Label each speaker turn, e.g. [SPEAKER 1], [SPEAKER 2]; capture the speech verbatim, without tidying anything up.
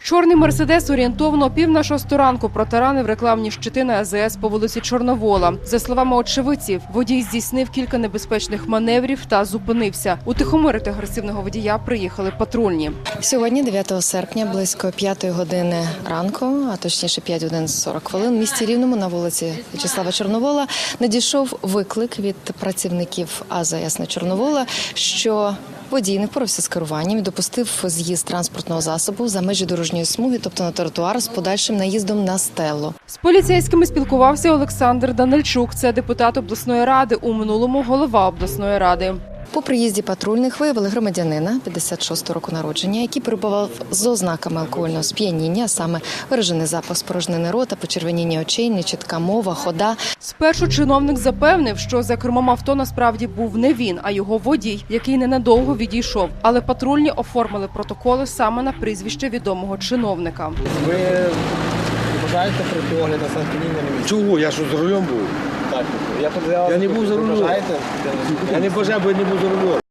[SPEAKER 1] Чорний «Мерседес» орієнтовно о пів на шосту ранку протаранив рекламні щити на АЗС по вулиці Чорновола. За словами очевидців, водій здійснив кілька небезпечних маневрів та зупинився. Утихомирити агресивного водія приїхали патрульні.
[SPEAKER 2] Сьогодні, дев'ятого серпня, близько п'ятої години ранку, а точніше п'ять годин сорок хвилин, в місті Рівному на вулиці В'ячеслава Чорновола надійшов виклик від працівників АЗС на Чорновола, що водій не впорався з керуванням і допустив з'їзд транспортного засобу за межі дорожньої смуги, тобто на тротуар, з подальшим наїздом на стелу.
[SPEAKER 1] З поліцейськими спілкувався Олександр Данильчук. Це депутат обласної ради, у минулому голова обласної ради.
[SPEAKER 2] По приїзді патрульних виявили громадянина п'ятдесят шостого року народження, який перебував з ознаками алкогольного сп'яніння, а саме виражений запах спорожнини рота, почервоніння очей, нечітка мова, хода.
[SPEAKER 1] Спершу чиновник запевнив, що за кермом авто насправді був не він, а його водій, який ненадовго відійшов. Але патрульні оформили протоколи саме на прізвище відомого чиновника.
[SPEAKER 3] Ви бажаєте пройти огляд на сп'яніння на місці?
[SPEAKER 4] Чого? Я що, за рулем був?
[SPEAKER 3] Так. Я, я,
[SPEAKER 4] Я не був за рулем.
[SPEAKER 3] Бажаєте?
[SPEAKER 4] Я не бажаю, бо я не був за рулем.